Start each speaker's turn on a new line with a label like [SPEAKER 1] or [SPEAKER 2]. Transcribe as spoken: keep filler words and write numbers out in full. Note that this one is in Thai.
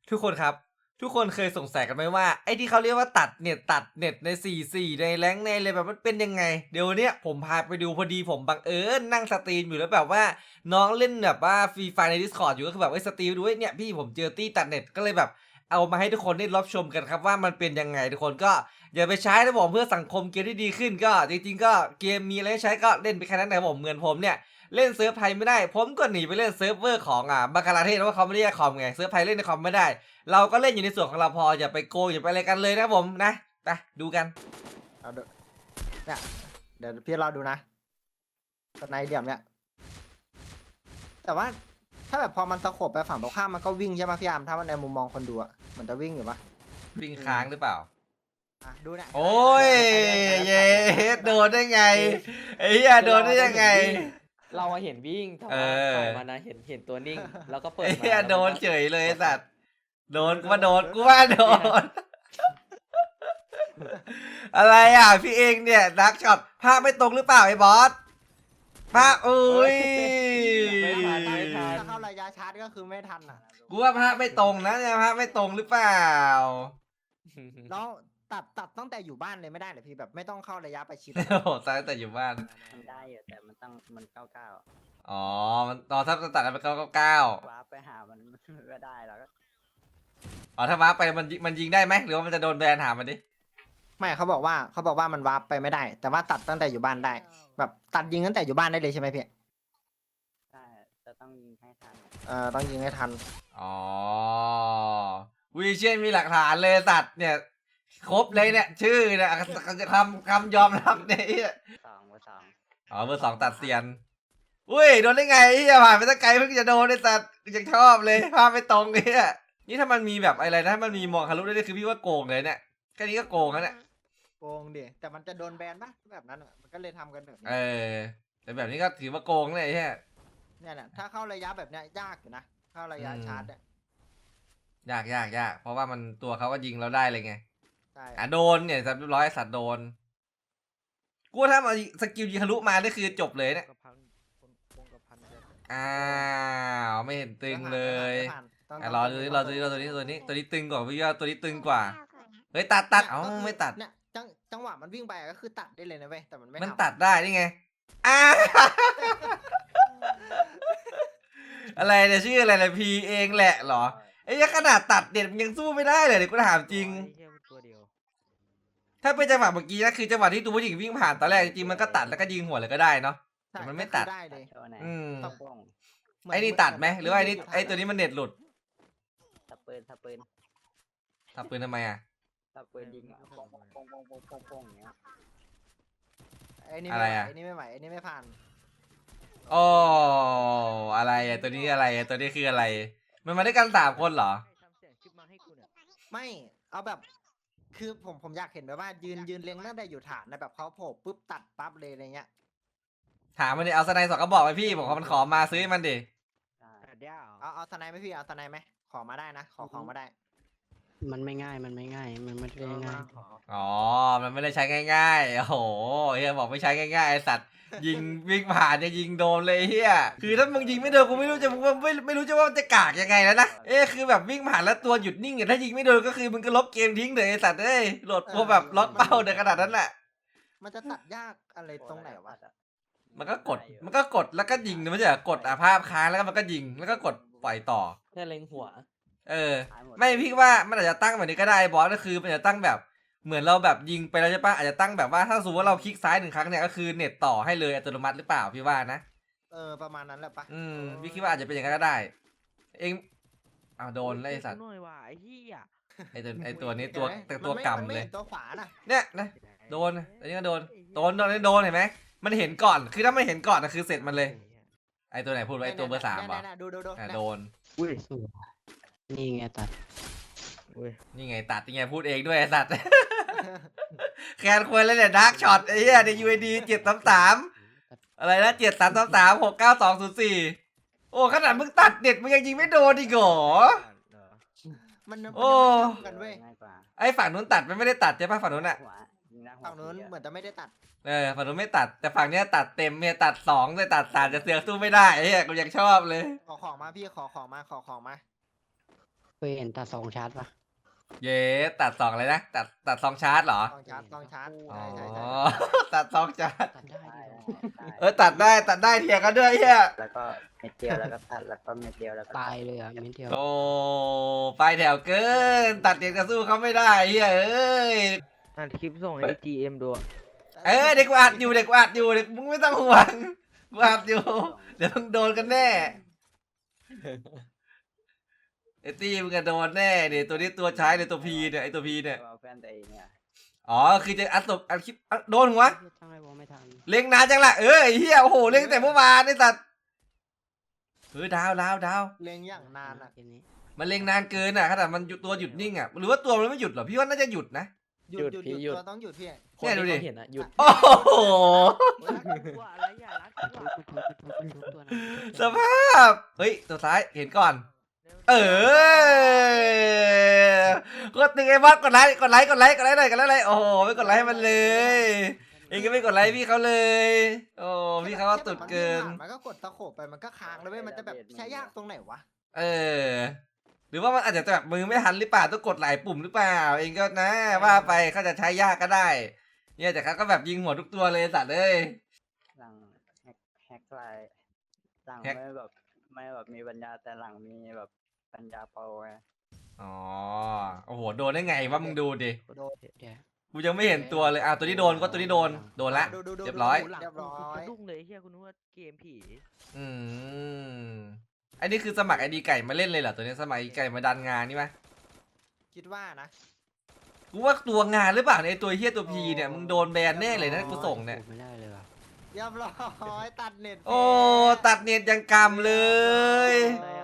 [SPEAKER 1] ทุกคนครับทุกคนเคยสงสัยกันไหมว่าไอ้ที่เขาเรียกว่าตัดเน็ตตัดเน็ตในสี่สี่ในแรงค์ในเลยแบบมันเป็นยังไงเดี๋ยวเนี้ยผมพาไปดูพอดีผมบังเอิญนั่งสตรีมอยู่แล้วแบบว่าน้องเล่นแบบว่าฟรีไฟใน Discord อยู่ก็คือแบบไอ้สตรีมดูไอ้เนี่ยพี่ผมเจอตี้ตัดเน็ตก็เลยแบบเอามาให้ทุกคนได้รับชมกันครับว่ามันเป็นยังไงทุกคนก็อย่าไปใช้นะผมเพื่อสังคมเกมที่ดีขึ้นก็จริงๆก็เกมมีอะไรให้ใช้ก็เล่นไปแค่นั้นนะครับผมเหมือนผมเนี่ย เล่นเซิร์ฟไทยไม่ได้ผมก็หนีไปเล่นเซิร์ฟเวอร์ของอ่าบังกลาเทศเพราะว่าเขาไม่ได้แยกคอมไงเซิร์ฟไทยเล่นในคอมไม่ได้เราก็เล่นอยู่ในส่วนของเราพออย่าไปโกงอย่าไปอะไรกันเลยนะผมนะไปดูกัน
[SPEAKER 2] เอาเดี๋ยวเนี่ยเดี๋ยวพี่รอดูนะสไนเดียมเนี่ยแต่ว่าถ้าแบบพอมันตะขบไปฝั่งตรงข้ามมันก็วิ่งใช่ไหมพี่อาร์มถ้ามันในมุมมองคนดูอะมันจะวิ่งอยู่ปะ
[SPEAKER 1] วิ่งค้างหรือเปล่า
[SPEAKER 2] อ่ะดูเนี่ย
[SPEAKER 1] โอ้ยเย้โดนได้ไงไอ้เหี้ยโดนได้ยังไง
[SPEAKER 3] เราเห็นวิ่งแต่ว่าฝ่ายมันนะเห็นเห็นตัวนิ่งแล้วก็เปิด
[SPEAKER 1] ไอ้
[SPEAKER 3] มา
[SPEAKER 1] เหี้ย
[SPEAKER 3] แล้ว
[SPEAKER 1] โดน
[SPEAKER 3] มัก็
[SPEAKER 1] เฉยเลยไอ้สัตว์โดนกูว่าโดนกูว่าโดนอะไรอ่ะพี่เองเนี่ยดักช็อตภาพไม่ตรงหรือเปล่าไอ้บอสภาพอุ้ย
[SPEAKER 3] ไม่ทันไม่ทัน
[SPEAKER 2] ถ้าเข้าระยะชาร์จก็คือไม่ทันอ่ะ
[SPEAKER 1] กูว่าภาพไม่ตรงนะเนี่ยภาพไม่ตรงหรือเปล่า
[SPEAKER 2] แล้วตัดตัดตั้งแต่อยู่บ้านเลยไม่ได้เหรอพี่แบบไม่ต้องเข้าระยะประชิด
[SPEAKER 1] โอ้โหตายแต่อยู่บ้าน
[SPEAKER 4] มันได้อยู่แต่มันต้องมันเก้าเก้า
[SPEAKER 1] อ๋อมันตอนถ้าตัดกันเป็นเก้าเก้าเก้า
[SPEAKER 4] ว้าร์ปไปหามันไม่ได้แล้วก็
[SPEAKER 1] อ๋อถ้าว้าร์ปไปมันยิมันยิงได้ไหมหรือว่ามันจะโดนแบนหามันดิ
[SPEAKER 2] ไม่เขาบอกว่าเขาบอกว่ามันวาร์ปไปไม่ได้ แต่ว่าตัดตั้งแต่อยู่บ้านได้ แบบตัดยิงตั้งแต่อยู่บ้านได้เลยใช่ไหมพี่
[SPEAKER 4] ใช่จะต้องยิงให้ทัน
[SPEAKER 2] เอ่อต้องยิงให้ทัน
[SPEAKER 1] อ๋อวีเชียนมีหลักฐานเลยตัดเนี่ยครบเลยเนี่ยชื่อเนี่ยคำคำยอมรับเนี่ย
[SPEAKER 4] สองเบอร์สอง
[SPEAKER 1] อ๋อเบอร์สองตัดเซียนอุ้ยโดนได้ไงไอ้ผ่านไปตั้งไกลเพิ่งจะโดนไอ้สัตว์ยังชอบเลยภาพไม่ตรงเนี่ยนี่ถ้ามันมีแบบอะไรนะถ้ามันมีมองทะลุได้เลยคือพี่ว่าโกงเลยเนี่ยแค่นี้ก็โกงแล้วเนี่ย
[SPEAKER 2] โกงดิแต่มันจะโดนแบนปะแบบนั้นอะมันก็เลยทำกันแบบนี้
[SPEAKER 1] เออแต่แบบนี้ก็ถือว่าโกงเลยใช่
[SPEAKER 2] เนี่ยแหละถ้าเข้าระยะแบบเนี้ยยากอยู่นะเข้าระยะ
[SPEAKER 1] อืม
[SPEAKER 2] ชาร์จเนี่ย
[SPEAKER 1] ยากยากยากเพราะว่ามันตัวเขาก็ยิงเราได้เลยไง
[SPEAKER 2] ใช่
[SPEAKER 1] อ่ะโดนเนี่ยสัตว์เรียบร้อยสัตว์โดนกูว่าถ้ามาสกิลยิงทะลุมาได้คือจบเลยเนี่ยอ้าวไม่เห็นตึงเลย
[SPEAKER 2] ไม่ผ่านไม่ผ่าน
[SPEAKER 1] อ่ะรอดูนี่รอดูนี่รอตัวนี้ตัวนี้ตัวนี้ตึงกว่าพี่ว่าตัวนี้ตึงกว่าเฮ้ยตัดตัดเอ้าไม่ตัด
[SPEAKER 2] เนี่ยจังจังหวะมันวิ่งไปก็คือตัดได้เลยนะเว้ยแต่มันไม่
[SPEAKER 1] มัน
[SPEAKER 2] ทำ
[SPEAKER 1] ตัดได้นี่ไงอ้า อะไรเนี่ยชื่ออะไรเลยพีเองแหละเหรอไอ้ยขนาดตัดเด็ดมันยังสู้ไม่ได้เลยเดี๋ยวกูถามจริง
[SPEAKER 3] ตัวเดียว
[SPEAKER 1] ถ้าเป็นจังหวะเมื่อกี้นะคือจังหวะที่ตัวผู้หญิงวิ่งผ่านตอนแรกจริงๆมันก็ตัดแล้วก็ยิงหัวเลยก็ได้เนาะ
[SPEAKER 2] ใช่
[SPEAKER 1] แต่มันไม่ตัด
[SPEAKER 2] ก็คือได้เลย
[SPEAKER 4] โชว์ไหน
[SPEAKER 1] อืม
[SPEAKER 4] ตะป้อง
[SPEAKER 2] เหมื
[SPEAKER 1] ไอ้นี่ตัดไหมหรือว่าไอ้นี่ไอ้ตัวนี้มันเน็ตหลุด
[SPEAKER 4] ตะปืนตะปืน
[SPEAKER 1] ทับปืนทำไมอ่ะ
[SPEAKER 4] ตะปืนยิงอ่ะป้องป้องป้องป้องป้องป้องป้องอย่างเงี้ย
[SPEAKER 2] ไอ้นี่
[SPEAKER 1] อะไร
[SPEAKER 2] ไม่ไหว
[SPEAKER 1] อะ
[SPEAKER 2] ไอ้นี่ไม่ไหวไอ้นี่ไม่ผ่าน
[SPEAKER 1] โอ้อะไรอ่ะตัวนี้อะไรอ่ะตัวนี้คืออะไร มันมาด้วยกันสามคนเหรอ
[SPEAKER 2] ไม่เอาแบบ คือผมผมอยากเห็นแบบว่ายืนยืนเลี้ยงตั้งแต่อยู่ฐานนะแบบเขาโผล่ปุ๊บตัดปั๊บเลยอะไรเงี้ย
[SPEAKER 1] ถามมันดิเอาสไนด์สองกระบอกไปพี่ผมขอมันขอมาซื้อให้มันดิ
[SPEAKER 4] ใช่
[SPEAKER 2] เอาเอาสไนด์ไหมพี่เอาสไนด์ไหมขอมาได้นะขอของมาได้
[SPEAKER 5] มันไม่ง่าย มันไม่ง่าย มันไม่ได้ง่าย
[SPEAKER 2] ขอ
[SPEAKER 1] อ๋อมันไม่ได้ใช้ง่ายๆโอ้โหเฮียบอกไม่ใช้ง่ายๆไอ้สัตว์ยิงวิ่งผ่านจะยิงโดนเลยเฮียคือถ้ามึงยิงไม่โดนกูไม่รู้จะมึงไม่ไม่รู้จะว่ามันจะกากยังไงแล้วนะเอ๊ะคือแบบวิ่งผ่านแล้วตัวหยุดนิ่งอ่ะถ้ายิงไม่โดนก็คือมึงก็ลบเกมทิ้งเลยไอ้สัตว์เอ้ยโหลดโปรแบบล็อกเป้าในขนาดนั้นแหละ
[SPEAKER 2] มันจะตัดยากอะไรตรงไหนวะ
[SPEAKER 1] มันก็กดมันก็กดแล้วก็ยิงนะไม่ใช่เหรอกดอ่ะภาพค้างแล้วก็มันก็ยิงแล้วก็กดปล่อยต่อ
[SPEAKER 3] แค่เล็งหัว
[SPEAKER 1] เออไม่พี่ว่ามันอาจจะตั้งแบบนี้ก็ได้บอสก็คือมันจะตั้งแบบเหมือนเราแบบยิงไปแล้วใช่ปะอาจจะตั้งแบบว่าถ้าสมมติว่าเราคลิกซ้ายหนึ่งครั้งเนี่ยก็คือเน็ตต่อให้เลยอัตโนมัติหรือเปล่าพี่ว่านะ
[SPEAKER 2] เออประมาณนั้นแหละปะ
[SPEAKER 1] อืมพี่คิดว่าอาจจะเป็นอย่างนั้นก็ได้ เองอ้าวโดนแล้วไอ้สัตว์
[SPEAKER 3] หน่อยว่ะไอ้เหี้ย
[SPEAKER 1] ไอ้ตัวไอ้ตัวนี้ตัว
[SPEAKER 2] เห็นไหม
[SPEAKER 1] ตัว
[SPEAKER 2] มันไม่
[SPEAKER 1] กำ
[SPEAKER 2] มันไม่
[SPEAKER 1] เลย
[SPEAKER 2] ห็นตัวขวาน่ะ
[SPEAKER 1] เนี่ยนะโดนอันนี้ก็โดนโดนโดนโดนเห็นไหมมันเห็นก่อนคือถ้าไม่เห็นก่อนนะคือเสร็จมันเลยไอ้ตัวไหนพูดไว้ไอ้ตัวเบอร์สามเหรอ
[SPEAKER 2] เนี่ยๆๆดูดูดู
[SPEAKER 1] อ่ะ
[SPEAKER 2] เนี่ย
[SPEAKER 1] โดน
[SPEAKER 3] อุ้ย
[SPEAKER 5] สวยนี่ไงตัด
[SPEAKER 3] อุ้ย
[SPEAKER 1] นี่ไงตัดยังไงพูดเองด้วยไอ้สัตว์ แคนควรเลยเนี่ยดาร์กช็อตไอ้เหี้ยใน ยู ไอ ดี เจ็ดสามสามอะไรนะเจ็ดสามสามสามหกเก้าสองศูนย์สี่โอ้ขนาดมึงตัดเด็ดมึงยังยิงไม่โดนอีกเหรอ
[SPEAKER 2] มันมัน
[SPEAKER 1] โอ้
[SPEAKER 2] ยังไม่ทำกันเว้ย
[SPEAKER 4] ง่ายกว่า
[SPEAKER 1] ไอ้ฝั่งนู้นตัดมันไม่ได้ตัดใช่ปะฝั่งนู้นอะ
[SPEAKER 4] หัวยิงหน้าหัว
[SPEAKER 2] ฝั่งนู้น
[SPEAKER 4] ผีอะ
[SPEAKER 2] เหมือนจะไม่ได้ตัด
[SPEAKER 1] เออฝั่งนู้นไม่ตัดแต่ฝั่งเนี้ยตัดเต็มเนี่ยตัดสองเลยตัดสามจะเสือกสู้ไม่ได้ไอ้เหี้ยกูยังชอบเลย
[SPEAKER 2] ขอของมาพี่ขอของมาขอของมา
[SPEAKER 5] เยเห็นตัดสองชาร์จปะ
[SPEAKER 1] เย้ตัดสองอะไรนะตัดตัดสองชาร์จเหรอ
[SPEAKER 2] ต้องชาร์จต้องชาร์จ
[SPEAKER 1] อ๋อ
[SPEAKER 2] ใช่ใช่ใช่
[SPEAKER 1] ตัดสองชาร์จ
[SPEAKER 5] ตัดได้
[SPEAKER 4] ได้
[SPEAKER 5] ดิ
[SPEAKER 4] ได้
[SPEAKER 1] เออตัดได้ตัดได้เทียกันด้วยเฮีย
[SPEAKER 4] แล้วก็เม็ดเดียวแล้วก็ตัดแล้วก็เม็ดเดียวแล้วก็
[SPEAKER 5] ตายเลยอ่ะมินเดียว
[SPEAKER 1] โอ้ไปแถวเกิน ตัดเด็กจะสู้เขาไม่ได้เฮียเอ้ย
[SPEAKER 6] อัดคลิปส่งให้จีเอ็มดูอะ
[SPEAKER 1] เออเด็กกูอัดอยู่เด็กกูอัดอยู่เด็กมึงไม่ต้องห่วงกูอัดอยู่ เดี๋ยวมึงโดนกันแน่ไอ้ตี้มึงก็โดนแน่เนี่ยตัวนี้ตัวใช้เนี่ยตัวพีเนี่ยไอ้ตัวพีเนี่ย
[SPEAKER 4] เอาแฟนตัวเองเนี่ย
[SPEAKER 1] อ๋อคือจะอัดศพอัดคลิปอัดโดนหัว
[SPEAKER 5] ตั้งไอ้วอลไม่ทัน
[SPEAKER 1] เล็งนานจังล่ะเออไอ้เหี้ยโอ้โหเล็งแต่เมื่อวานนี่สัตว์เออดาวดาวดาว
[SPEAKER 2] เล็งอย่างนานอ่ะ
[SPEAKER 5] เกมนี้
[SPEAKER 1] มันเล็งนานเกินอ่ะขนาดมันหยุดตัวหยุดนิ่งอ่ะหรือว่าตัวมันไม่หยุดเหรอพี่ว่าน่าจะหยุดนะ
[SPEAKER 2] หยุดหยุดหยุดตัวต้องหยุดพี่
[SPEAKER 3] คน
[SPEAKER 1] เนี่ยดูดิ
[SPEAKER 3] ที่เขาเห็นอะหยุด
[SPEAKER 1] โอ้โห
[SPEAKER 6] กลัวอะไรอย่ารักกลัว
[SPEAKER 5] ทุบทุบทุบทุบทุบตัวนะ
[SPEAKER 1] สภาพเฮ้ยตัวซ้ายเห็นก่อน เออกดตึงไอ้บอสกดไลค์กดไลค์กดไลค์กดไลค์หน่อยกดไลค์หน่อยโอ้โหไม่กดไลค์ให้มันเลยเองก็ไม่กดไลค์พี่เขาเลยโอ้พี่เขาก็ตุดเกิน
[SPEAKER 2] มันก็กดตะโขบไปมันก็ค้างเลยเว้ยมันจะแบบใช้ยากตรงไหนวะ
[SPEAKER 1] เออ หรือว่ามันอาจจะแบบมือไม่ทันหรือเปล่าต้องกดหลายปุ่มหรือเปล่า เองก็นะ ว่าไปเขาจะใช้ยากก็ได้ เนี่ยแต่เขาก็แบบยิงหัวทุกตัวเลยสัตว์เอ้ย
[SPEAKER 4] หลังแฮกแฮกไลน์หลัง
[SPEAKER 1] แฮก
[SPEAKER 4] ไม่แบบไม่แบบมีปัญญาแต่หลังมีแบบปัญญาโปรไง
[SPEAKER 1] อ๋อโอ้โหโดนได้ไงวะมึงดูดิ
[SPEAKER 2] โดน
[SPEAKER 5] เดี๋ยว
[SPEAKER 1] กูยังไม่เห็นตัวเลยอ่ะตัวนี้โดนก็ตัวนี้โดนโดนละ
[SPEAKER 2] ดูดูดู
[SPEAKER 1] เรียบร้อย
[SPEAKER 2] ดูเรียบร้อย
[SPEAKER 6] สะดุ้งเลยเฮียคุณนึกว่าเกมผี
[SPEAKER 1] อืมอันนี้คือสมัครไอดีไก่มาเล่นเลยเหรอตัวนี้สมัครไอดีไก่มาดันงานนี่ไหม
[SPEAKER 2] คิดว่านะ
[SPEAKER 1] กูว่าตัวงานหรือเปล่าเนี่ยไอตัวเฮียตัวพีเนี่ยมึงโดนแบนแน่เลยนะกูส่งเนี่ย
[SPEAKER 5] โอ้ไม่ได้เลยว่ะ
[SPEAKER 2] เรียบร้อยตัดเน็ต
[SPEAKER 1] โอ้ตัดเน็ตยังกำเลย
[SPEAKER 6] อะไรอะ